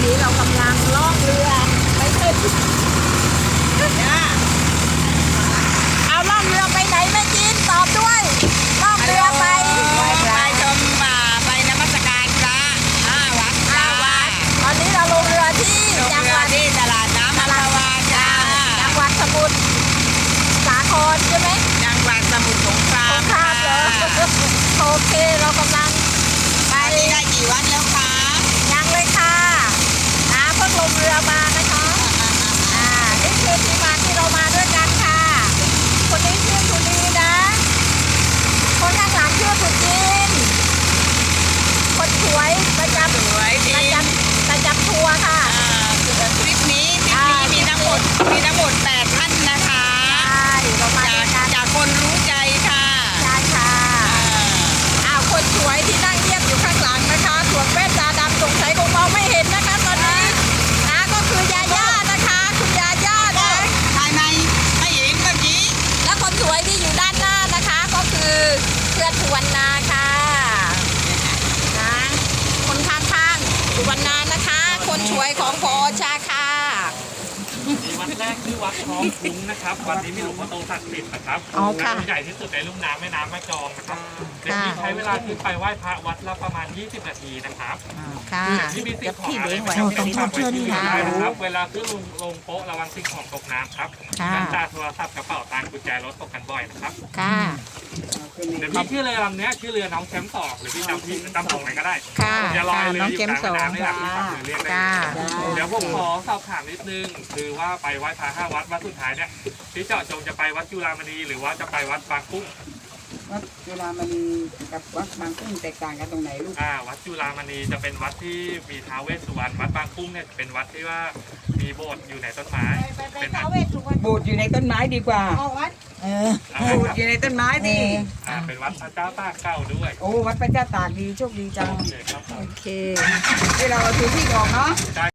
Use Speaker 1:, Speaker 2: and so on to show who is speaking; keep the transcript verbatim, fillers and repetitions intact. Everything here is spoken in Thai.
Speaker 1: นี้เรากำลังล่องเรือไปขึ้นเอาล่องเรือไปไหนแม่จีนตอบด้วยล่องเรือไป
Speaker 2: ไปชมป่าไปนมัสการพระห้าวัดจ้า
Speaker 1: ตอนนี้เราลงเรือที่จังหวัด
Speaker 2: ที่ตลาดน้ำอัมพวาจ้า
Speaker 1: จังหวัดสมุทรสาครใช่ไหม
Speaker 2: จังหวัดสมุทรสงคราม
Speaker 1: สงครามเหรอโอเคเรากำลัง
Speaker 2: ไปได้กี่วันแล้วคะ
Speaker 1: ยังเลยค่ะนะเพิ่งลงเรือมานะคะอ่านี่คือที่มาที่เรามาด้วยกันค่ะคนนี้ชื่อสุนีนะคนข้างหลังชื่อสุจินคนสวยประจำ
Speaker 2: สวยดี
Speaker 1: ประจำประจำทัวร์ค่ะ
Speaker 2: ทริปนี้ทริปนี้มีทั้งหมดมีทั้งหมดแปดท่านนะคะ
Speaker 1: ใช่เรามาด้วยกัน
Speaker 2: จากคนรู้ใจค่ะ
Speaker 1: ใช่ค่ะอ้าวคนสวยที่นั่งเงียบอยู่ข้างหลังนะคะสวมแว่นตาดำสงสัยคงมองไม่เห็นนะคะตอนนี้นะก็คือยาย่านะคะคุณยาย่านะ
Speaker 2: ภายในไม่เห็นเมื่อกี้
Speaker 1: และคนสวยที่อยู่ด้านหน้านะคะก็คือเพื่อนสุวรรณาค่ะนะคนข้างๆสุวรรณานะคะ คนสวยของพอชาค่ะ
Speaker 3: วัดแรกคือวัดท้องคุ้งนะครับวัดนี้มีหลวงพ่อโตศักดิ์สิทธิ์นะครับใหญ่ที่สุดในลุ่มน้ำแม่น้ำแม่กลองนะครับเดี๋ยวนี้ใช้เวลาขึ้นไปไหว้พระวัดละประมาณยี่สิบนาทีนะครับ
Speaker 1: ค่ะ
Speaker 3: ที่มีสิ่งของอะไรไม่ต้องฝากไว้ที่นี่ได้นะครับเวลาขึ้นลงลงโป๊ะระวังสิ่งของตกน้ำครับน้ำตาโทรศัพท์กระเป๋าตังค์กุญแจรถตกกันบ่อยนะครับ
Speaker 1: ค่ะ
Speaker 3: เดี๋ยวพี่ชื่อเรือลำนี้ชื่อเรือน้องแชมป์สองหรือพี่จำพี่จำสองไหนก็ได้
Speaker 1: ค่ะ
Speaker 3: จะลอยเรืออยู่กลางแม่น้ำนี่แหละพี่ฝากเรือเรียกได้เดี๋ยวผมขอสอบถามนิดนึงคือว่าไปไหว้พระห้าวัดวัดสุดท้ายเนี่ยพี่เจาะจงจะไปวัดจุฬามณีหรือว่าจะไปวัดบางกุ้ง
Speaker 2: วัดจุฬามณีกับวัดบางกุ้งแตกต่างกันตรงไหนลูก
Speaker 3: อ่าวัดจุฬามณีจะเป็นวัดที่มีท้าวเวสสุวรรณวัดบางกุ้งเนี่ยเป็นวัดที่ว่ามีโบสถ์อยู่ในต้นไม้เป็น
Speaker 2: โบสถ์อยู่ในต้นไม้ดีกว่า
Speaker 1: วัด
Speaker 2: เออโบสถ์อยู่ในต้นไม้ดี
Speaker 3: อ่าเป็นวัดพระเจ้าตากเก่าด้วย
Speaker 2: โอ้วัดพระเจ้าตากดีโชคดีจัง
Speaker 3: โอเคครับ
Speaker 2: โอเคที่เราเอาพื้นที่ออกเนาะ